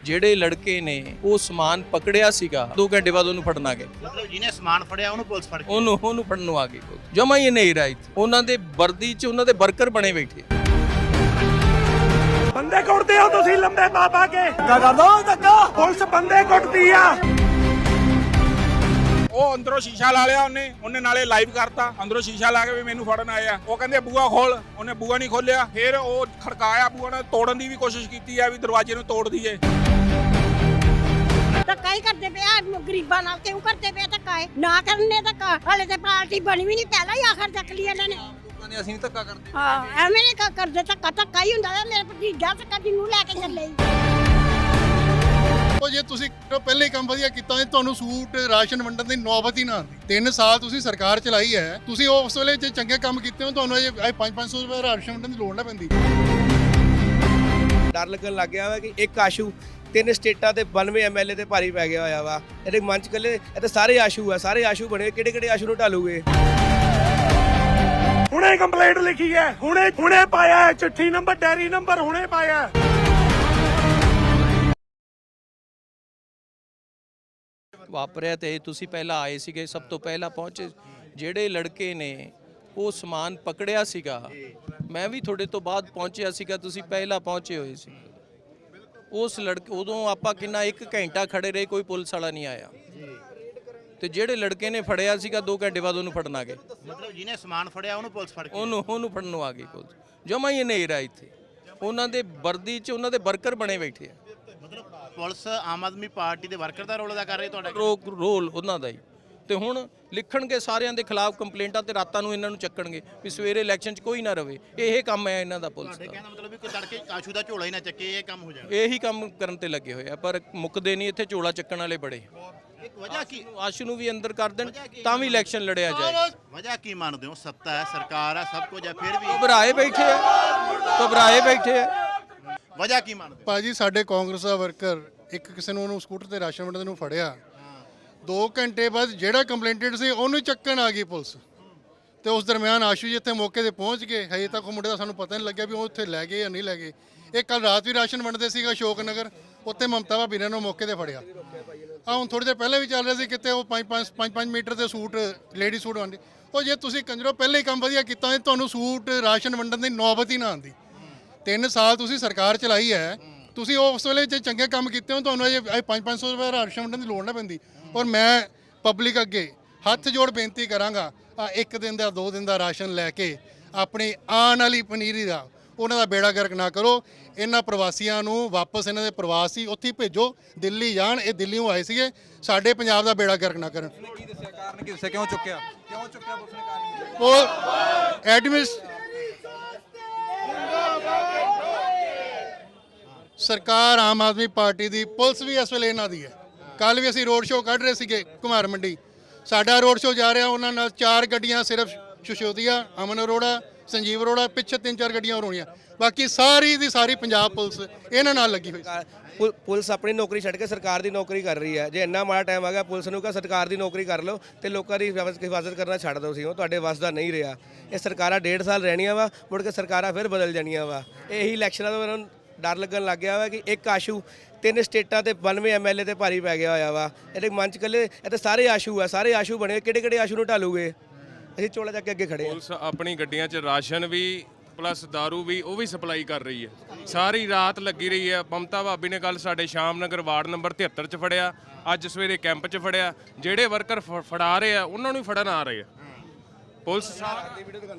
ਜਿਹੜੇ ਲੜਕੇ ਨੇ ਉਹ ਸਮਾਨ ਪਕੜਿਆ ਸੀਗਾ 2 ਘੰਟੇ ਬਾਅਦ ਉਹਨੂੰ ਫੜਨ ਆ ਗਏ। ਮਤਲਬ ਜਿਹਨੇ ਸਮਾਨ ਫੜਿਆ ਉਹਨੂੰ ਪੁਲਿਸ ਫੜ ਕੇ ਉਹਨੂੰ ਫੜਨ ਨੂੰ ਆ ਗਈ। ਜਮਾ ਹੀ ਨਹੀਂ ਰਾਈ ਉਹਨਾਂ ਦੇ ਵਰਦੀ 'ਚ ਉਹਨਾਂ ਦੇ ਵਰਕਰ ਬਣੇ ਬੈਠੇ। ਬੰਦੇ ਕੁੱਟਦੇ ਹੋ ਤੁਸੀਂ ਲੰਬੇ ਪਾ ਕੇ ਕਰ ਦੋ ਧੱਕਾ ਪੁਲਿਸ ਬੰਦੇ ਕੁੱਟਦੀ ਆ। ਉਹ ਅੰਦਰੋਂ ਸ਼ੀਸ਼ਾ ਲਾ ਲਿਆ ਉਹਨੇ ਨਾਲੇ ਲਾਈਵ ਕਰਤਾ ਅੰਦਰੋਂ ਸ਼ੀਸ਼ਾ ਲਾ ਕੇ ਵੀ ਮੈਨੂੰ ਫੜਨ ਆਏ ਆ। ਉਹ ਕਹਿੰਦੇ ਬੂਆ ਖੋਲ, ਉਹਨੇ ਬੂਆ ਨਹੀਂ ਖੋਲਿਆ। ਫਿਰ ਉਹ ਖੜਕਾਇਆ ਬੂਆ ਨੇ, ਤੋੜਨ ਦੀ ਵੀ ਕੋਸ਼ਿਸ਼ ਕੀਤੀ ਆ ਵੀ ਦਰਵਾਜ਼ੇ ਨੂੰ ਤੋੜ ਦਈਏ। ਧੱਕਾ ਹੀ ਕਰਦੇ ਪਿਆ ਗਰੀਬਾਂ ਨਾਲ, ਕਿਉਂ ਕਰਦੇ ਪਿਆ ਧੱਕਾ? ਨਾ ਕਰਨੇ ਧੱਕਾ, ਹਲੇ ਤੇ ਪਾਰਟੀ ਬਣੀ ਵੀ ਨਹੀਂ, ਪਹਿਲਾਂ ਹੀ ਆਖਰ ਚੱਕ ਲਈ ਇਹਨਾਂ ਨੇ। ਲੋਕਾਂ ਨੇ ਅਸੀਂ ਧੱਕਾ ਕਰਦੇ ਹਾਂ ਐਵੇਂ ਨਹੀਂ ਕਰਦੇ ਧੱਕਾ ਹੀ ਹੁੰਦਾ ਵਾ। ਮੇਰੇ ਭਤੀਜਾ ਧੱਕਾ ਜਿਹਨੂੰ ਲੈ ਕੇ ਚੱਲੇ ਉਹ ਜੇ ਤੁਸੀਂ ਪਹਿਲੇ ਹੀ ਕੰਮ ਵਧੀਆ ਕੀਤਾ ਹੈ ਤੁਹਾਨੂੰ ਸੂਟ ਰਾਸ਼ਨ ਵੰਡਣ ਦੀ ਨੌਬਤ ਹੀ ਨਾ ਆਉਂਦੀ। 3 ਸਾਲ ਤੁਸੀਂ ਸਰਕਾਰ ਚਲਾਈ ਹੈ, ਤੁਸੀਂ ਉਸ ਵੇਲੇ ਜੇ ਚੰਗੇ ਕੰਮ ਕੀਤੇ ਹੋ ਤੁਹਾਨੂੰ ਇਹ 500 ਰੁਪਏ ਰਾਸ਼ਨ ਵੰਡਣ ਦੀ ਲੋੜ ਨਾ ਪੈਂਦੀ। ਡਰ ਲੱਗਣ ਲੱਗ ਗਿਆ ਵਾ ਕਿ ਇੱਕ ਆਸ਼ੂ 3 ਸਟੇਟਾਂ ਤੇ 92 ਐਮਐਲਏ ਤੇ ਭਾਰੀ ਪੈ ਗਿਆ ਹੋਇਆ ਵਾ। ਇਹਦੇ ਮੰਚ ਕੱਲੇ ਇਹ ਤਾਂ ਸਾਰੇ ਆਸ਼ੂ ਆ, ਸਾਰੇ ਆਸ਼ੂ ਬਣੇ। ਕਿਹੜੇ ਆਸ਼ੂ ਨੂੰ ਢਾਲੂਗੇ? ਹੁਣੇ ਕੰਪਲੇਂਟ ਲਿਖੀ ਹੈ, ਹੁਣੇ ਪਾਇਆ ਚਿੱਠੀ ਨੰਬਰ ਡੈਰੀ ਨੰਬਰ ਹੁਣੇ ਪਾਇਆ। ਵਾਪਰਿਆ ਤੇ ਤੁਸੀਂ ਪਹਿਲਾਂ ਆਏ ਸੀਗੇ, ਸਭ ਤੋਂ ਪਹਿਲਾਂ ਪਹੁੰਚੇ। ਜਿਹੜੇ ਲੜਕੇ ਨੇ ਉਹ ਸਮਾਨ ਪਕੜਿਆ ਸੀਗਾ, ਮੈਂ ਵੀ ਤੁਹਾਡੇ ਤੋਂ ਬਾਅਦ ਪਹੁੰਚਿਆ ਸੀਗਾ, ਤੁਸੀਂ ਪਹਿਲਾਂ ਪਹੁੰਚੇ ਹੋਏ ਸੀ। ਉਸ ਲੜਕੇ ਉਦੋਂ ਆਪਾਂ ਕਿੰਨਾ 1 ਘੰਟਾ ਖੜੇ ਰਹੇ, ਕੋਈ ਪੁਲਿਸ ਵਾਲਾ ਨਹੀਂ ਆਇਆ। ਤੇ ਜਿਹੜੇ ਲੜਕੇ ਨੇ ਫੜਿਆ ਸੀਗਾ 2 ਘੰਟੇ ਬਾਅਦ ਉਹਨੂੰ ਫੜਨ ਆ ਗਏ। ਮਤਲਬ ਜਿਹਨੇ ਸਮਾਨ ਫੜਿਆ ਉਹਨੂੰ ਪੁਲਿਸ ਫੜ ਕੇ ਉਹਨੂੰ ਫੜਨ ਨੂੰ ਆ ਗਈ ਪੁਲਿਸ। ਜਮਾ ਹੀ ਨਹੀਂ ਰਾਈ ਇੱਥੇ ਉਹਨਾਂ ਦੇ ਵਰਦੀ 'ਚ ਉਹਨਾਂ ਦੇ ਵਰਕਰ ਬਣੇ ਬੈਠੇ ਆ। ਮਤਲਬ ਪੁਲਿਸ ਆਮ ਆਦਮੀ ਪਾਰਟੀ ਦੇ ਵਰਕਰ ਦਾ ਰੋਲ ਅਦਾ ਕਰ ਰਹੀ ਤੁਹਾਡਾ? ਰੋਲ ਉਹਨਾਂ ਦਾ ਹੀ। ਤੇ ਹੁਣ ਲਿਖਣਗੇ ਸਾਰਿਆਂ ਦੇ ਖਿਲਾਫ ਕੰਪਲੇਂਟਾਂ ਤੇ ਰਾਤਾਂ ਨੂੰ ਇਹਨਾਂ ਨੂੰ ਚੱਕਣਗੇ ਵੀ ਸਵੇਰੇ ਇਲੈਕਸ਼ਨ 'ਚ ਕੋਈ ਨਾ ਰਵੇ। ਇਹ ਕੰਮ ਹੈ ਇਹਨਾਂ ਦਾ ਪੁਲਿਸ ਦਾ। ਕਹਿੰਦਾ ਮਤਲਬ ਵੀ ਕੋਈ ਤੜਕੇ ਆਸ਼ੂ ਦਾ ਝੋਲਾ ਹੀ ਨਾ ਚੱਕੇ, ਇਹ ਕੰਮ ਹੋ ਜਾਣਾ। ਇਹੀ ਕੰਮ ਕਰਨ ਤੇ ਲੱਗੇ ਹੋਏ ਆ, ਪਰ ਮੁੱਕਦੇ ਨਹੀਂ। ਇੱਥੇ ਝੋਲਾ ਚੱਕਣ ਵਾਲੇ ਬੜੇ। ਇੱਕ ਵਜ੍ਹਾ ਕੀ, ਆਸ਼ੂ ਨੂੰ ਵੀ ਅੰਦਰ ਕਰ ਦੇਣ ਤਾਂ ਵੀ ਇਲੈਕਸ਼ਨ ਲੜਿਆ ਜਾਏ। ਵਜ੍ਹਾ ਕੀ ਮੰਨਦੇ ਹੋ? ਸੱਤਾ ਹੈ, ਸਰਕਾਰ ਹੈ, ਸਭ ਕੁਝ ਹੈ, ਫਿਰ ਵੀ ਘਬਰਾਏ ਬੈਠੇ ਆ। ਵਜ੍ਹਾ ਕੀ ਮੰਨਦੇ ਹੋ? ਭਾਜੀ ਸਾਡੇ ਕਾਂਗਰਸ ਦਾ ਵਰਕਰ ਇੱਕ ਕਿਸੇ ਨੂੰ ਉਹਨੂੰ ਸਕੂਟਰ ਤੇ ਰਾਸ਼ਨ ਵੰਡਣ ਨੂੰ ਫੜਿਆ, 2 ਘੰਟੇ ਬਾਅਦ ਜਿਹੜਾ ਕੰਪਲੇਂਟਡ ਸੀ ਉਹਨੂੰ ਚੱਕਣ ਆ ਗਈ ਪੁਲਿਸ। ਤੇ ਉਸ ਦਰਮਿਆਨ ਆਸ਼ੂ ਜੀ ਇੱਥੇ ਮੌਕੇ ਤੇ ਪਹੁੰਚ ਗਏ। ਹਜੇ ਤੱਕ ਉਹ ਮੁੰਡੇ ਦਾ ਸਾਨੂੰ ਪਤਾ ਨਹੀਂ ਲੱਗਿਆ ਵੀ ਉਹ ਉੱਥੇ ਲੈ ਗਏ ਜਾਂ ਨਹੀਂ ਲੈ ਗਏ। ਇਹ ਕੱਲ ਰਾਤ ਵੀ ਰਾਸ਼ਨ ਵੰਡਦੇ ਸੀਗਾ ਅਸ਼ੋਕ ਨਗਰ, ਉੱਥੇ ਮਮਤਾ ਭਾਬੀ ਨੇ ਉਹਨੂੰ ਮੌਕੇ ਤੇ ਫੜਿਆ। ਹੁਣ ਥੋੜੀ ਦੇਰ ਪਹਿਲੇ ਵੀ ਚੱਲ ਰਿਹਾ ਸੀ ਕਿਤੇ ਉਹ 5 ਮੀਟਰ ਦੇ ਸੂਟ ਲੇਡੀ ਸੂਟ ਵੰਡੇ। ਉਹ ਜੇ ਤੁਸੀਂ ਕੰਜਰੋ ਪਹਿਲੇ ਹੀ ਕੰਮ ਵਧੀਆ ਕੀਤਾ ਹੈ ਤੁਹਾਨੂੰ ਸੂਟ ਰਾਸ਼ਨ ਵੰਡਣ ਦੀ ਨੌਬਤ ਹੀ ਨਾ ਆਉਂਦੀ। 3 ਸਾਲ ਤੁਸੀਂ ਸਰਕਾਰ ਚਲਾਈ ਹੈ, ਤੁਸੀਂ ਉਸ ਵੇਲੇ ਜੇ ਚੰਗੇ ਕੰਮ ਕੀਤੇ ਹੋ ਤੁਹਾਨੂੰ ਇਹ 500 ਰੁਪਏ ਰਾਸ਼ਨ ਵੰਡਣ ਦੀ ਲੋੜ ਨਾ ਪੈਂਦੀ। ਔਰ ਮੈਂ ਪਬਲਿਕ ਅੱਗੇ ਹੱਥ ਜੋੜ ਬੇਨਤੀ ਕਰਾਂਗਾ, 1 ਦਿਨ ਦਾ 2 ਦਿਨ ਦਾ ਰਾਸ਼ਨ ਲੈ ਕੇ ਆਪਣੀ ਆਉਣ ਵਾਲੀ ਪਨੀਰੀ ਦਾ ਉਹਨਾਂ ਦਾ ਬੇੜਾ ਗਰਕ ਨਾ ਕਰੋ। ਇਹਨਾਂ ਪ੍ਰਵਾਸੀਆਂ ਨੂੰ ਵਾਪਸ ਇਹਨਾਂ ਦੇ ਪ੍ਰਵਾਸੀ ਉੱਥੇ ਭੇਜੋ, ਦਿੱਲੀ ਜਾਣ। ਇਹ ਦਿੱਲੀੋਂ ਆਏ ਸੀਗੇ, ਸਾਡੇ ਪੰਜਾਬ ਦਾ ਬੇੜਾ ਗਰਕ ਨਾ ਕਰਨ। ਕੀ ਦੱਸਿਆ ਕਾਰਨ? ਕੀ ਦੱਸਿਆ ਕਿਉਂ ਚੁੱਕਿਆ ਪੁਲਿਸ ਨੇ ਕਾਰਨ? ਉਹ ਸਰਕਾਰ ਆਮ ਆਦਮੀ ਪਾਰਟੀ ਦੀ, ਪੁਲਿਸ ਵੀ ਇਸ ਵੇਲੇ ਇਹਨਾਂ ਦੀ ਹੈ। ਕੱਲ ਵੀ ਅਸੀਂ ਰੋਡ ਸ਼ੋਅ ਕੱਢ ਰਹੇ ਸੀਗੇ ਕੁਮਾਰ ਮੰਡੀ, ਸਾਡਾ ਰੋਡ ਸ਼ੋਅ ਜਾ ਰਿਹਾ, ਉਹਨਾਂ ਨਾਲ 4 ਗੱਡੀਆਂ ਸਿਰਫ ਸ਼ਸ਼ੋਦੀਆ, ਅਮਨ ਅਰੋੜਾ, ਸੰਜੀਵ ਅਰੋੜਾ, ਪਿੱਛੇ 3-4 ਗੱਡੀਆਂ ਹੋਰ ਹੋਣੀਆਂ। ਬਾਕੀ ਸਾਰੀ ਦੀ ਸਾਰੀ ਪੰਜਾਬ ਪੁਲਿਸ ਇਹਨਾਂ ਨਾਲ ਲੱਗੀ ਹੋਈ। ਪੁਲਿਸ ਆਪਣੀ ਨੌਕਰੀ ਛੱਡ ਕੇ ਸਰਕਾਰ ਦੀ ਨੌਕਰੀ ਕਰ ਰਹੀ ਹੈ। ਜੇ ਇੰਨਾ ਮਾੜਾ ਟਾਈਮ ਆ ਗਿਆ ਪੁਲਿਸ ਨੂੰ ਕਹ ਸਰਕਾਰ ਦੀ ਨੌਕਰੀ ਕਰ ਲਓ ਤੇ ਲੋਕਾਂ ਦੀ ਹਿਫਾਜ਼ਤ ਕਰਨਾ ਛੱਡ ਦਿਓ। ਸੀ ਉਹ ਤੁਹਾਡੇ ਵੱਸ ਦਾ ਨਹੀਂ ਰਿਹਾ। ਇਹ ਸਰਕਾਰਾਂ 1.5 ਸਾਲ ਰਹਿਣੀਆਂ ਵਾ, ਮੁੜ ਕੇ ਸਰਕਾਰਾਂ ਫਿਰ ਬਦਲ ਜਾਣੀਆਂ ਵਾ। ਇਹੀ ਇਲੈਕਸ਼ਨਾਂ ਤੋਂ ਇਹਨਾਂ ਨੂੰ ਡਰ ਲੱਗਣ ਲੱਗ ਗਿਆ ਵਾ ਕਿ ਇੱਕ ਆਸ਼ੂ 3 ਸਟੇਟਾਂ ਤੇ 92 ਐਮਐਲਏ ਤੇ ਭਾਰੀ ਪੈ ਗਿਆ ਹੋਇਆ ਵਾ। ਇਹਦੇ ਮੰਚ ਕੱਲੇ ਇਹ ਤਾਂ ਸਾਰੇ ਆਸ਼ੂ ਆ, ਸਾਰੇ ਆਸ਼ੂ ਬਣੇ। ਕਿਹੜੇ ਆਸ਼ੂ ਨੂੰ ਢਾਲੂਗੇ? ਅਸੀਂ ਚੋਲਾ ਚੱਕ ਕੇ ਅੱਗੇ ਖੜੇ ਆ। ਪੁਲਿਸ ਆਪਣੀ ਗੱਡੀਆਂ 'ਚ ਰਾਸ਼ਨ ਵੀ ਪਲੱਸ ਦਾਰੂ ਵੀ ਉਹ ਵੀ ਸਪਲਾਈ ਕਰ ਰਹੀ ਹੈ। ਸਾਰੀ ਰਾਤ ਲੱਗੀ ਰਹੀ ਹੈ। ਮਮਤਾ ਭਾਬੀ ਨੇ ਕੱਲ ਸਾਡੇ ਸ਼ਾਮ ਨਗਰ ਵਾਰਡ ਨੰਬਰ 73 'ਚ ਫੜਿਆ, ਅੱਜ ਸਵੇਰੇ ਕੈਂਪ 'ਚ ਫੜਿਆ। ਜਿਹੜੇ ਵਰਕਰ ਫੜਾ ਰਹੇ ਆ ਉਹਨਾਂ ਨੂੰ ਫੜਨ ਆ ਰਹੇ ਆ। ਪੁਲਿਸ ਸਰਕਾਰ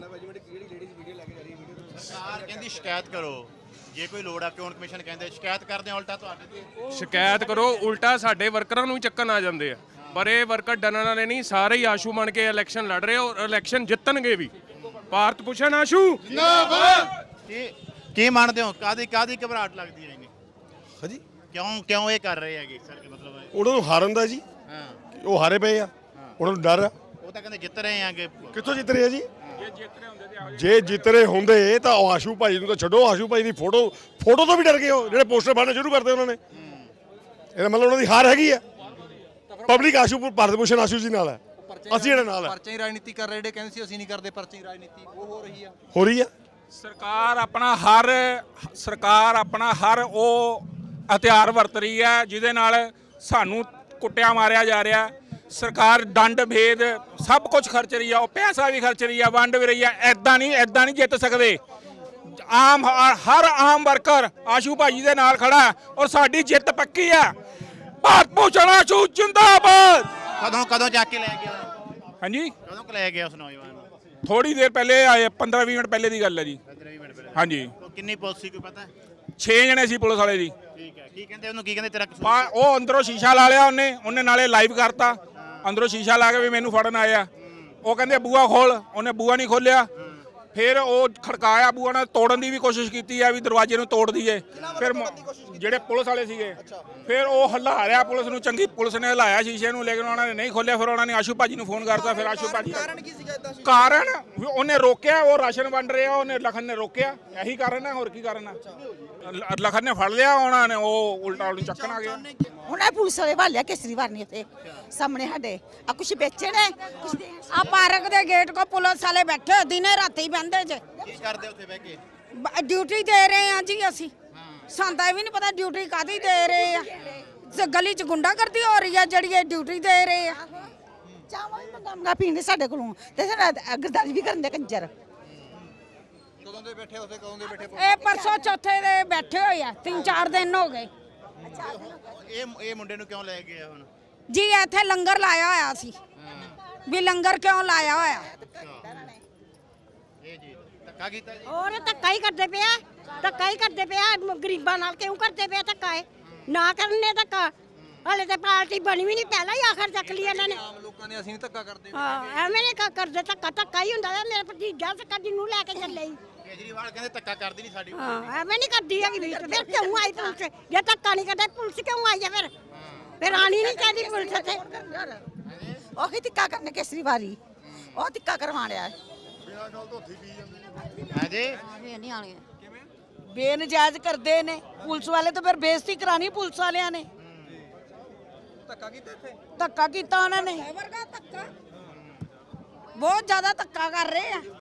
ਕਹਿੰਦੀ ਸ਼ਿਕਾਇਤ ਕਰੋ, ਜੇ ਕੋਈ ਲੋੜ ਆ ਚੋਣ ਕਮਿਸ਼ਨ ਕਹਿੰਦੇ ਸ਼ਿਕਾਇਤ ਕਰਦੇ ਆ, ਉਲਟਾ ਤੁਹਾਡੇ ਤੇ ਸ਼ਿਕਾਇਤ ਕਰੋ, ਉਲਟਾ ਸਾਡੇ ਵਰਕਰਾਂ ਨੂੰ ਹੀ ਚੱਕਣ ਆ ਜਾਂਦੇ ਆ। ਪਰ ਇਹ ਵਰਕਰ ਡਰਨ ਵਾਲੇ ਨਹੀਂ, ਸਾਰੇ ਹੀ ਆਸ਼ੂ ਬਣ ਕੇ ਇਲੈਕਸ਼ਨ ਲੜ ਰਹੇ ਔਰ ਇਲੈਕਸ਼ਨ ਜਿੱਤਣਗੇ ਵੀ। ਭਾਰਤ ਭੂਸ਼ਣ ਆਸ਼ੂ ਜਿੰਦਾਬਾਦ। ਕੀ ਮੰਨਦੇ ਹੋ? ਕਾਦੀ ਘਬਰਾਹਟ ਲੱਗਦੀ ਹੈ ਇਹਨੇ? ਹਾਂਜੀ ਕਿਉਂ ਇਹ ਕਰ ਰਹੇ ਹੈਗੇ ਸਰ? ਮਤਲਬ ਉਹਨਾਂ ਨੂੰ ਹਾਰਨ ਦਾ ਜੀ, ਉਹ ਹਾਰੇ ਪਏ ਆ, ਉਹਨਾਂ ਨੂੰ ਡਰ ਆ। ਉਹ ਤਾਂ ਕਹਿੰਦੇ ਜਿੱਤ ਰਹੇ ਆਗੇ। ਕਿੱਥੋਂ ਜਿੱਤ ਰਹੇ ਆ ਜੀ? ਜੇ ਜਿੱਤ ਰਹੇ ਹੁੰਦੇ ਤਾਂ ਉਹ ਆਸ਼ੂ ਭਾਈ ਨੂੰ ਤਾਂ ਛੱਡੋ, ਆਸ਼ੂ ਭਾਈ ਦੀ ਫੋਟੋ ਤੋਂ ਵੀ ਡਰ ਗਏ ਉਹ ਜਿਹੜੇ ਪੋਸਟਰ ਬਣਾਉਣੇ ਸ਼ੁਰੂ ਕਰਦੇ ਉਹਨਾਂ ਨੇ। ਇਹਦਾ ਮਤਲਬ ਉਹਨਾਂ ਦੀ ਹਾਰ ਹੈਗੀ ਆ। ਪਬਲਿਕ ਆਸ਼ੂ ਭਾਰਤ ਭੂਸ਼ਣ ਆਸ਼ੂ ਜੀ ਨਾਲ ਹੈ, ਅਸੀਂ ਇਹਨਾਂ ਨਾਲ ਹੈ। ਪਰਚੇ ਹੀ ਰਾਜਨੀਤੀ ਕਰ ਰਹੇ, ਜਿਹੜੇ ਕਹਿੰਦੇ ਸੀ ਅਸੀਂ ਨਹੀਂ ਕਰਦੇ ਪਰਚੇ ਹੀ ਰਾਜਨੀਤੀ, ਉਹ ਹੋ ਰਹੀ ਆ। ਸਰਕਾਰ ਆਪਣਾ ਹਰ ਉਹ ਹਥਿਆਰ ਵਰਤ ਰਹੀ ਹੈ, ਜਿਹਦੇ ਨਾਲ ਸਾਨੂੰ ਕੁੱਟਿਆ ਮਾਰਿਆ ਜਾ ਰਿਹਾ। ਸਰਕਾਰ ਦੰਡ ਭੇਦ ਸਭ ਕੁਝ ਖਰਚ ਰਹੀ ਆ, ਉਹ ਪੈਸਾ ਵੀ ਖਰਚ ਰਹੀ ਆ, ਵੰਡ ਵੀ ਰਹੀ ਆ। ਐਦਾਂ ਨਹੀਂ ਜਿੱਤ ਸਕਦੇ। ਹਰ ਆਮ ਵਰਕਰ ਆਸ਼ੂ ਭਾਜੀ ਦੇ ਨਾਲ ਖੜਾ ਹੈ ਔਰ ਸਾਡੀ ਜਿੱਤ ਪੱਕੀ ਹੈ। ਭਾਰਤ ਭੂਸ਼ਣ ਆਸ਼ੂ ਜਿੰਦਾਬਾਦ। ਕਦੋਂ ਚੱਕ ਕੇ ਲੈ ਗਿਆ? ਹਾਂਜੀ, ਕਦੋਂ ਕੁ ਲੈ ਗਿਆ ਉਸ ਨੌਜਵਾਨ ਨੂੰ? ਥੋੜੀ ਦੇਰ ਪਹਿਲੇ ਆਏ, 15-20 ਮਿੰਟ ਪਹਿਲੇ ਦੀ ਗੱਲ ਹੈ ਜੀ। 15-20 ਮਿੰਟ ਪਹਿਲੇ। ਹਾਂਜੀ, ਕਿੰਨੀ ਪੁਲਿਸ ਸੀ ਕੋਈ ਪਤਾ? 6 ਜਣੇ ਸੀ ਪੁਲਿਸ ਵਾਲੇ ਜੀ। ਠੀਕ ਹੈ, ਕੀ ਕਹਿੰਦੇ ਉਹਨੂੰ, ਕੀ ਕਹਿੰਦੇ ਤੇਰਾ ਕਸੂਰ? ਉਹ ਅੰਦਰੋਂ ਸ਼ੀਸ਼ਾ ਲਾ ਲਿਆ ਉਹਨੇ ਨਾਲੇ ਲਾਈਵ ਕਰਤਾ। ਅੰਦਰੋਂ ਸ਼ੀਸ਼ਾ ਲਾ ਕੇ ਵੀ ਮੈਨੂੰ ਫੜਨ ਆਇਆ। ਉਹ ਕਹਿੰਦੇ ਬੂਆ ਖੋਲ, ਉਹਨੇ ਬੂਆ ਨਹੀਂ ਖੋਲਿਆ। ਫਿਰ ਉਹ ਖੜਕਾਇਆ, ਬੂਆ ਨਾਲ ਤੋੜਨ ਦੀ ਵੀ ਕੋਸ਼ਿਸ਼ ਕੀਤੀ ਆ ਵੀ ਦਰਵਾਜ਼ੇ ਨੂੰ ਤੋੜ ਦਈਏ। ਫਿਰ ਜਿਹੜੇ ਪੁਲਿਸ ਵਾਲੇ ਸੀਗੇ, ਫਿਰ ਉਹ ਹਿਲਾ ਰਿਹਾ ਪੁਲਿਸ ਨੂੰ, ਚੰਗੀ ਪੁਲਿਸ ਨੇ ਹਿਲਾਇਆ ਸ਼ੀਸ਼ੇ ਨੂੰ, ਲੇਕਿਨ ਉਹਨਾਂ ਨੇ ਨਹੀਂ ਖੋਲਿਆ। ਫਿਰ ਉਹਨਾਂ ਨੇ ਆਸ਼ੂ ਭਾਜੀ ਨੂੰ ਫੋਨ ਕਰਤਾ। ਫਿਰ ਆਸ਼ੂ ਭਾਜੀ ਕਾਰਨ ਉਹਨੇ ਰੋਕਿਆ, ਉਹ ਰਾਸ਼ਨ ਵੰਡ ਰਿਹਾ, ਉਹਨੇ ਲਖਨ ਨੇ ਰੋਕਿਆ। ਇਹੀ ਕਾਰਨ ਹੈ, ਹੋਰ ਕੀ ਕਾਰਨ ਹੈ? ਲਖਨ ਨੇ ਫੜ ਲਿਆ, ਉਹਨਾਂ ਨੇ ਉਹ ਉਲਟਾ ਉਹਨੂੰ ਚੱਕਣ ਆ ਗਿਆ। ਹੁਣ ਇਹ ਪੁਲਿਸ ਵਾਲੇ ਭਾਲਿਆ ਕੇਸਰੀਵਾਲ ਨੇ ਇੱਥੇ ਸਾਹਮਣੇ ਸਾਡੇ ਆ ਕੁਛ ਵੇਚੇ ਨੇ ਕੁਛ ਆ ਪਾਰਕ ਦੇ ਗੇਟ ਕੋ ਪੁਲਿਸ ਵਾਲੇ ਬੈਠੇ ਦਿਨੇ ਰਾਤੀ ਬੰਦੇ ਜੇ। ਕੀ ਕਰਦੇ ਉੱਥੇ ਬਹਿ ਕੇ? ਡਿਊਟੀ ਦੇ ਰਹੇ ਆ ਜੀ ਅਸੀਂ। ਸਾਨੂੰ ਤਾਂ ਇਹ ਵੀ ਨਹੀਂ ਪਤਾ ਡਿਊਟੀ ਕਾਹਦੀ ਦੇ ਰਹੇ ਆ। ਗਲੀ ਚ ਗੁੰਡਾਗਰਦੀ ਹੋ ਰਹੀ ਆ ਜਿਹੜੀ ਇਹ ਡਿਊਟੀ ਦੇ ਰਹੇ ਆ। ਚਾਵਾਂ ਵੀ ਮੰਗਾ ਪੀਂਦੇ ਸਾਡੇ ਕੋਲੋਂ ਤੇ ਸਾਡਾ ਗਰਦਾਰੀ ਵੀ ਕਰਨ ਦੇ ਕੰਜਰ। ਕਦੋਂ ਦੇ ਬੈਠੇ ਉੱਥੇ, ਕਦੋਂ ਦੇ ਬੈਠੇ? ਇਹ ਪਰਸੋਂ ਚੌਥੇ ਦੇ ਬੈਠੇ ਹੋਏ ਆ, 3-4 ਦਿਨ ਹੋ ਗਏ ਇਹ ਮੁੰਡੇ ਨੂੰ ਕਿਉਂ ਲੈ ਗਿਆ ਹੁਣ? ਜੀ। ਇੱਥੇ ਲੰਗਰ ਲਾਇਆ ਹੋਇਆ ਸੀ ਵੀ ਲੰਗਰ ਕਿਉਂ ਲਾਇਆ ਹੋਇਆ? ਇਹ ਜੀ ਧੱਕਾ ਕੀਤਾ ਜੀ। ਹੋਰ ਧੱਕਾ ਹੀ ਕਰਦੇ ਪਿਆ, ਧੱਕਾ ਹੀ ਕਰਦੇ ਪਿਆ ਗਰੀਬਾਂ ਨਾਲ। ਕਿਉਂ ਕਰਦੇ ਪਿਆ ਧੱਕਾ? ਨਾ ਕਰਨੇ ਧੱਕਾ। ਹਲੇ ਤੇ ਪਾਰਟੀ ਬਣੀ ਵੀ ਨਹੀਂ, ਪਹਿਲਾਂ ਹੀ ਆਖਰ ਚੱਕ ਲਈ ਇਹਨਾਂ ਨੇ। ਆਮ ਲੋਕਾਂ ਨੇ ਅਸੀਂ ਨਹੀਂ ਧੱਕਾ ਕਰਦੇ। ਹਾਂ, ਐਵੇਂ ਨਹੀਂ ਕਰਦੇ ਧੱਕਾ। ਧੱਕਾ ਹੀ ਹੁੰਦਾ ਹੈ। ਮੇਰੇ ਭਤੀਜਾ ਸਕਦੀ ਨੂੰ ਲੈ ਕੇ ਚੱਲੇ ਹੀ। ਕੇਜਰੀਵਾਲ ਕਹਿੰਦੇ ਧੱਕਾ ਕਰਦੀ ਨਹੀਂ ਸਾਡੀ। ਹਾਂ, ਐਵੇਂ ਨਹੀਂ ਕਰਦੀ ਹੈਗੀ ਵੀ। ਫਿਰ ਕਿਉਂ ਆਈ ਪੁਲਿਸ? ਜੇ ਧੱਕਾ ਨਹੀਂ ਕਰਦੇ ਪੁਲਿਸ ਕਿਉਂ ਆਈ ਹੈ ਫਿਰ? ਫਿਰ ਆਣੀ ਨਹੀਂ ਚਾਹੀਦੀ ਪੁਲਿਸ ਤੇ। ਉਹੀ ਧੱਕਾ ਕਰਨੇ ਕੇਸਰੀਵਾਲੀ, ਉਹ ਧੱਕਾ ਕਰਵਾ ਰਿਹਾ। ਹਾਂਜੀ, ਨਹੀਂ ਆਣੀ ਬੇਨਜਾਇਜ਼ ਕਰਦੇ ਨੇ ਪੁਲਿਸ ਵਾਲੇ, ਤਾਂ ਫਿਰ ਬੇਇੱਜ਼ਤੀ ਕਰਾਣੀ ਪੁਲਿਸ ਵਾਲਿਆਂ ਨੇ। ਧੱਕਾ ਕੀਤਾ ਇੱਥੇ? ਧੱਕਾ ਕੀਤਾ ਉਹਨਾਂ ਨੇ, ਬਹੁਤ ਜ਼ਿਆਦਾ ਧੱਕਾ ਕਰ ਰਹੇ ਆ।